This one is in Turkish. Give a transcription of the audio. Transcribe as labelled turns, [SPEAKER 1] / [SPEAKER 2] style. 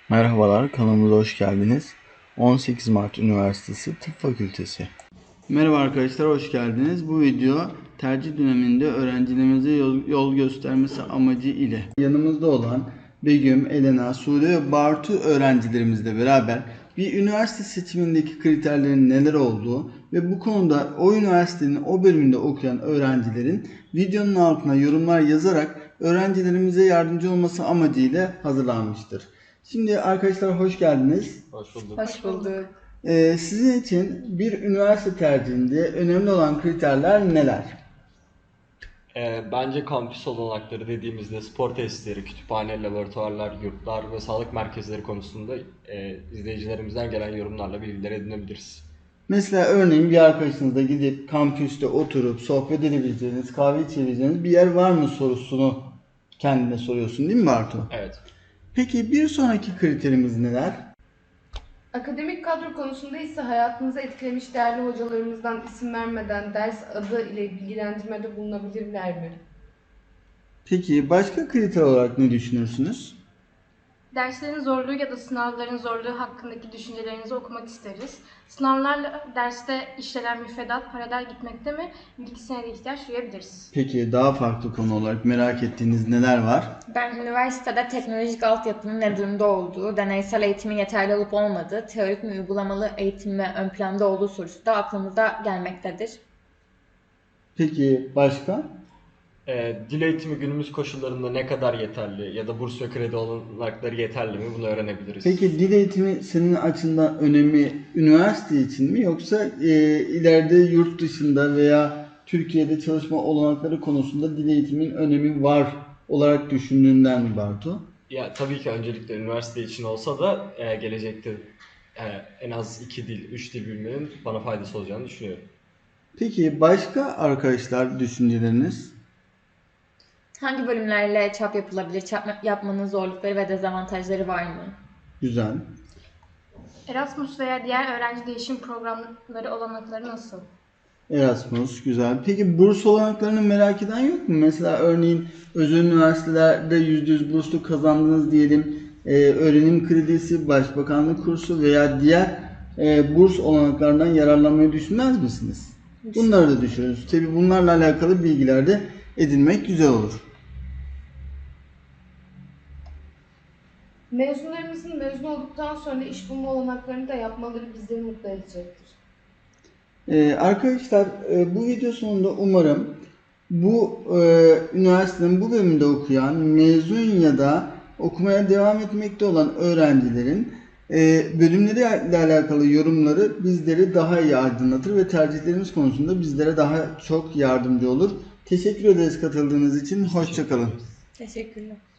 [SPEAKER 1] Merhabalar, kanalımıza hoş geldiniz. 18 Mart Üniversitesi Tıp Fakültesi. Merhaba arkadaşlar, hoş geldiniz. Bu video tercih döneminde öğrencilerimize yol göstermesi amacı ile yanımızda olan Begüm, Elena, Sude ve Bartu öğrencilerimizle beraber bir üniversite seçimindeki kriterlerin neler olduğu ve bu konuda o üniversitenin o bölümünde okuyan öğrencilerin videonun altına yorumlar yazarak öğrencilerimize yardımcı olması amacıyla hazırlanmıştır. Şimdi arkadaşlar hoş geldiniz.
[SPEAKER 2] Hoş bulduk.
[SPEAKER 3] Hoş bulduk.
[SPEAKER 1] Sizin için bir üniversite tercihinde önemli olan kriterler neler?
[SPEAKER 2] Bence kampüs olanakları dediğimizde spor tesisleri, kütüphane, laboratuvarlar, yurtlar ve sağlık merkezleri konusunda izleyicilerimizden gelen yorumlarla bilgiler edinebiliriz.
[SPEAKER 1] Mesela örneğin bir arkadaşınızla gidip kampüste oturup sohbet edebileceğiniz, kahve içebileceğiniz bir yer var mı sorusunu kendine soruyorsun değil mi Bartu?
[SPEAKER 2] Evet.
[SPEAKER 1] Peki bir sonraki kriterimiz neler?
[SPEAKER 3] Akademik kadro konusunda ise hayatınızı etkilemiş değerli hocalarımızdan isim vermeden ders adı ile bilgilendirmede bulunabilirler mi?
[SPEAKER 1] Peki başka kriter olarak ne düşünürsünüz?
[SPEAKER 4] Derslerin zorluğu ya da sınavların zorluğu hakkındaki düşüncelerinizi okumak isteriz. Sınavlarla derste işlenen müfredat paralel gitmekte mi? Bir iki senede ihtiyaç duyabiliriz.
[SPEAKER 1] Peki daha farklı konu olarak merak ettiğiniz neler var?
[SPEAKER 5] Ben üniversitede teknolojik altyapının ne durumda olduğu, deneysel eğitimin yeterli olup olmadığı, teorik mi uygulamalı eğitim mi ön planda olduğu sorusu da aklımıza gelmektedir.
[SPEAKER 1] Peki başka?
[SPEAKER 2] Dil eğitimi günümüz koşullarında ne kadar yeterli ya da burs ve kredi olanakları yeterli mi bunu öğrenebiliriz.
[SPEAKER 1] Peki dil eğitimi senin açından önemi üniversite için mi yoksa ileride yurt dışında veya Türkiye'de çalışma olanakları konusunda dil eğitimin önemi var olarak düşündüğünden mi Bartu?
[SPEAKER 2] Ya tabii ki öncelikle üniversite için olsa da gelecekte en az 2 dil, 3 dil bilmenin bana faydası olacağını düşünüyorum.
[SPEAKER 1] Peki başka arkadaşlar düşünceleriniz?
[SPEAKER 5] Hangi bölümlerle çap yapılabilir, çap yapmanın zorlukları ve dezavantajları var mı?
[SPEAKER 1] Güzel.
[SPEAKER 4] Erasmus veya diğer öğrenci değişim programları olanakları nasıl?
[SPEAKER 1] Erasmus güzel. Peki burs olanaklarını merak eden yok mu? Mesela örneğin özel üniversitelerde %100 burslu kazandınız diyelim. Öğrenim kredisi, başbakanlık kursu veya diğer burs olanaklarından yararlanmayı düşünmez misiniz? Bunları da düşünürüz. Tabii bunlarla alakalı bilgiler de edinmek güzel olur.
[SPEAKER 3] Mezunlarımızın mezun olduktan sonra iş bulma olanaklarını da yapmaları bizleri mutlu edecektir.
[SPEAKER 1] Arkadaşlar bu video sonunda umarım bu üniversitenin bu bölümünde okuyan, mezun ya da okumaya devam etmekte olan öğrencilerin bölümleriyle alakalı yorumları bizleri daha iyi aydınlatır ve tercihlerimiz konusunda bizlere daha çok yardımcı olur. Teşekkür ederiz katıldığınız için. Hoşça kalın.
[SPEAKER 5] Teşekkürler.